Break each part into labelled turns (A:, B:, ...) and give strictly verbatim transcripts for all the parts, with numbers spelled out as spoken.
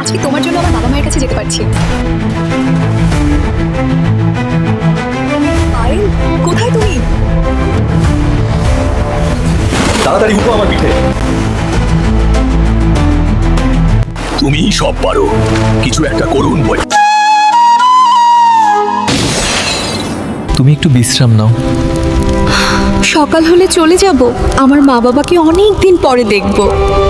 A: আজকে তোমার জন্য আমার বাবা মায়ের কাছে যেতে পারছি। পায়েল, কোথায় তুমি?
B: তাড়াতাড়ি উঠো আমার পিঠে। তুমি সব পারো, কিছু একটা করুন বই।
C: তুমি একটু বিশ্রাম নাও।
A: সকাল হলে চলে যাব, আমার মা বাবাকে অনেক দিন পরে দেখব।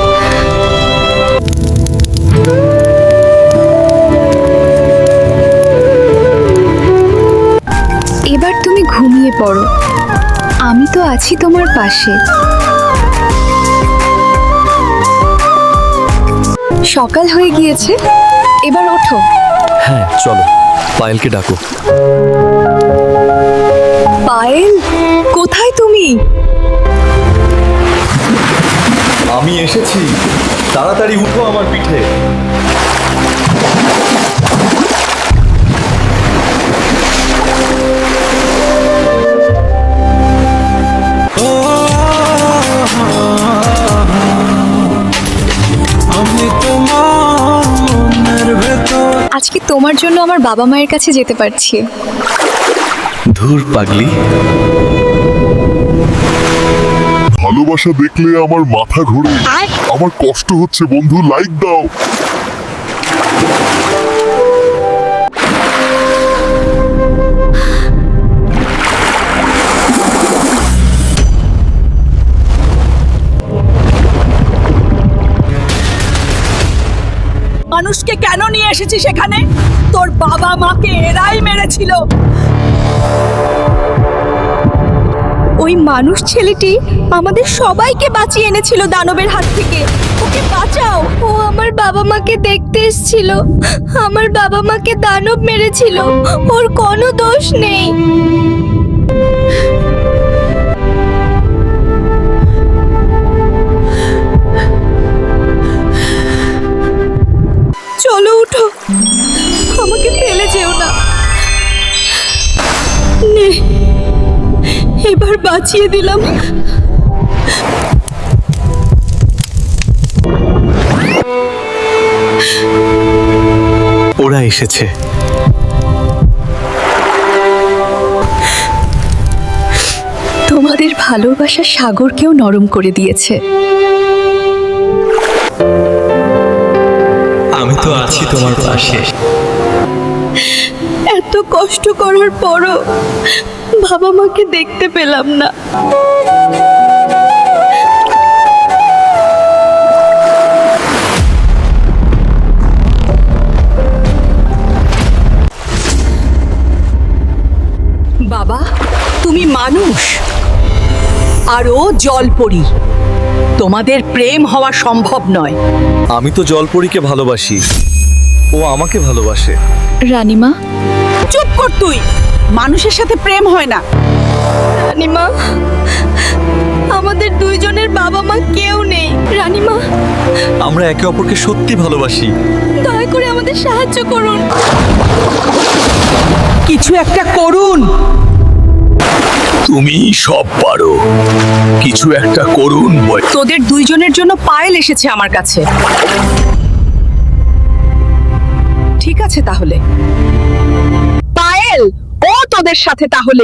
A: এবার তুমি ঘুমিয়ে পড়ো, আমি তো আছি তোমার পাশে। সকাল হয়ে গিয়েছে, এবার ওঠো।
C: হ্যাঁ চলো, পায়েলকে ডাকো।
A: পায়েল, কোথায় তুমি?
B: আমি এসেছি, তাড়াতাড়ি উঠো আমার পিঠে।
A: আজকে তোমার জন্য আমার বাবা মায়ের কাছে যেতে পারছি।
C: ধুর পাগলি।
D: ভালোবাসা দেখলে আমার মাথা ঘোরে, আমার কষ্ট হচ্ছে বন্ধু, লাইক দাও।
E: মানুষকে কেন নিয়ে এসেছিস সেখানে? তোর বাবা মাকে এরাই মেরেছিল।
A: ওই মানুষ ছেলেটি আমাদের সবাইকে বাঁচিয়ে এনেছিল দানবের হাত থেকে। ওকে বাঁচাও। ও আমার বাবা মাকে দেখতে এসেছিল, আমার বাবা মাকে দানব মেরেছিল, ওর কোনো দোষ নেই। চলো উঠো, আমাকে ফেলে যেও না। নে, এবার বাঁচিয়ে দিলাম।
C: ওরা এসেছে।
A: তোমাদের ভালোবাসার সাগরকেও নরম করে দিয়েছে।
C: আমি তো আছি তোমার পাশে।
A: এত কষ্ট করার পরও বাবা মাকে দেখতে পেলাম না।
E: বাবা, তুমি মানুষ আর ও জলপরি। তোমাদের প্রেম হওয়া সম্ভব নয়।
C: আমি তো জলপরীকে ভালোবাসি, ও আমাকে ভালোবাসে।
A: রানীমা,
E: চুপ কর তুই। মানুষের সাথে প্রেম হয় না।
A: রানীমা, আমাদের দুইজনের বাবা মা কেউ নেই। রানীমা,
C: আমরা একে অপরকে সত্যি ভালোবাসি।
A: দয়া করে আমাদের সাহায্য করুন।
E: কিছু একটা করুন।
B: তুমি সব পারো, কিছু একটা করুন বই।
E: তোদের দুইজনের জন্য পায়েল এসেছে আমার কাছে। ঠিক আছে তাহলে, পায়েল ও তোদের সাথে তাহলে।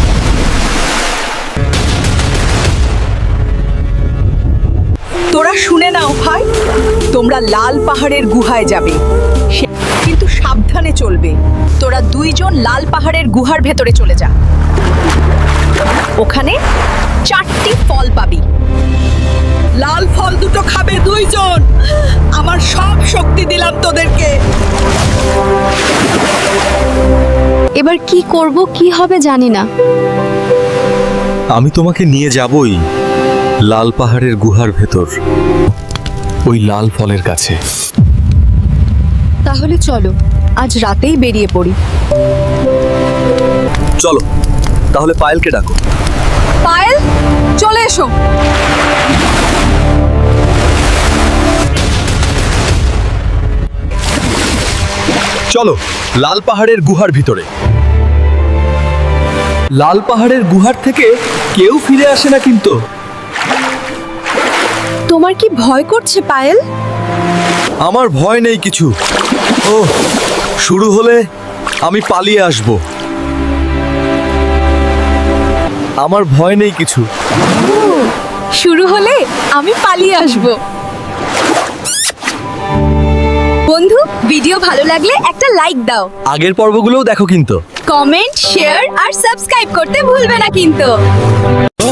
E: তোরা শুনে নাও ভাই, তোমরা লাল পাহাড়ের গুহায় যাবে, সে- কিন্তু সাবধানে চলবে। তোরা দুইজন লাল পাহাড়ের গুহার ভেতরে চলে যা। ওখানে চারটি ফল পাবি। লাল ফল দুটো খাবে দুইজন। আমার সব শক্তি দিলাম তোদেরকে।
A: এবার কি করব, কি হবে জানি না।
C: আমি তোমাকে নিয়ে যাবই লাল পাহাড়ের গুহার ভেতর, ওই লাল ফলের কাছে।
A: তাহলে চলো, আজ রাতেই বেরিয়ে পড়ি।
C: চলো তাহলে পায়েলকে ডাকো।
A: পায়েল, চলে এসো।
C: চলো লাল পাহাড়ের গুহার ভিতরে। লাল পাহাড়ের গুহার থেকে কেউ ফিরে আসে না কিন্তু।
A: তোমার কি ভয় করছে পায়েল?
C: আমার ভয় নেই কিছু। ও শুরু হলে আমি পালিয়ে আসব। আমার ভয় নেই কিছু।
A: শুরু হলে আমি পালিয়ে আসব। বন্ধু, ভিডিও ভালো লাগলে একটা লাইক দাও,
C: আগের পর্বগুলোও দেখো কিন্তু।
A: কমেন্ট, শেয়ার আর সাবস্ক্রাইব করতে ভুলবে না কিন্তু।